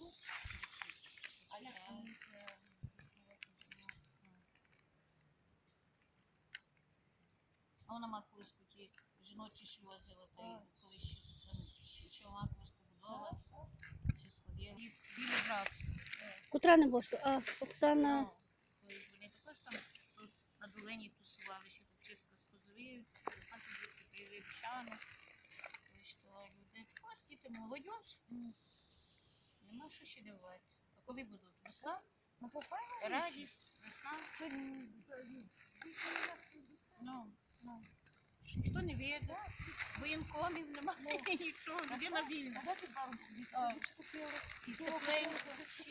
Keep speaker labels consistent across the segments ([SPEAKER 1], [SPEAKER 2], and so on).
[SPEAKER 1] А вона має колись такі жіночі шльози, колись ще вона колись побудова, чи сходила. Білий брат.
[SPEAKER 2] Котра небожка? А, Оксана.
[SPEAKER 1] Вони також там тут на долині тусувалися, тут чистка з козові, а тут привели пчани. Що люди, ось діти, молодь, нема що ще дивувати. А коли будуть? Весна? Радість, весна. Ну. Ніхто не веде, воєнкомів немає, нічого, людина вільна. І тепленько,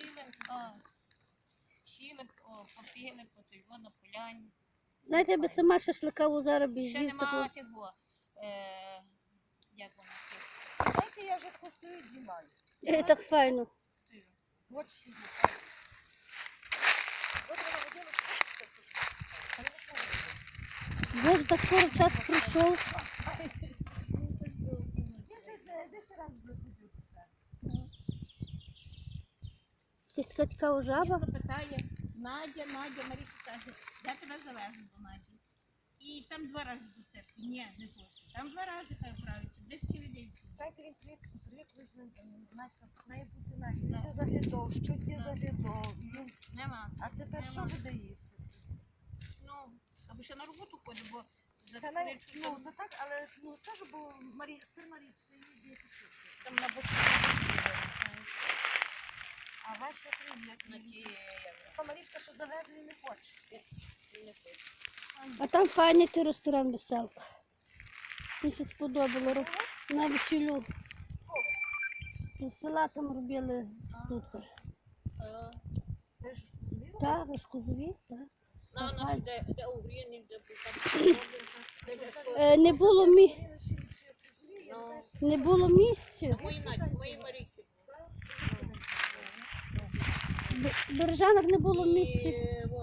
[SPEAKER 1] щіли, попили, потойво на поляні.
[SPEAKER 2] Знаєте, я би сама шашлика зараз
[SPEAKER 1] Ще
[SPEAKER 2] біжів
[SPEAKER 1] нема
[SPEAKER 2] такого.
[SPEAKER 1] того, як воно це?
[SPEAKER 3] Знаєте, я вже хвостою знімаю.
[SPEAKER 2] Так файно.
[SPEAKER 3] От що. От вона водила,
[SPEAKER 2] Боже, так скоро час пройшов. Якась така цікава жаба.
[SPEAKER 1] Ніхто питає, Надя, Марійка каже, я тебе завезу до Наді. І там 2 рази до церкви. Ні, не хочу. Там 2 рази хай вправиться, де цілий день.
[SPEAKER 3] знаєте, він привик знаєте, має бути Надя. Він це заглядав, що ти заглядав.
[SPEAKER 1] Нема.
[SPEAKER 3] А тепер що буде їсти?
[SPEAKER 1] Ну, або ще на роботу ходить, бо за
[SPEAKER 3] Та навіть,
[SPEAKER 1] хвилинку
[SPEAKER 3] ну, не так, але, ну, теж, бо тепер Марічка їздить
[SPEAKER 1] там на боку.
[SPEAKER 3] А ваші привіт.
[SPEAKER 1] На ті,
[SPEAKER 3] Та Марічка, що завезли, не хоче.
[SPEAKER 2] А там файний той ресторан «Веселка». Мені ще сподобало. На весіллю. З села там робили стутки.
[SPEAKER 3] Ви ж зліва?
[SPEAKER 2] Так, ви ж козові, так.
[SPEAKER 1] на де угріні, де
[SPEAKER 2] Не було
[SPEAKER 3] Ну,
[SPEAKER 2] не було місця.
[SPEAKER 1] мої Марійки.
[SPEAKER 2] В Бережанах не було місця.
[SPEAKER 1] І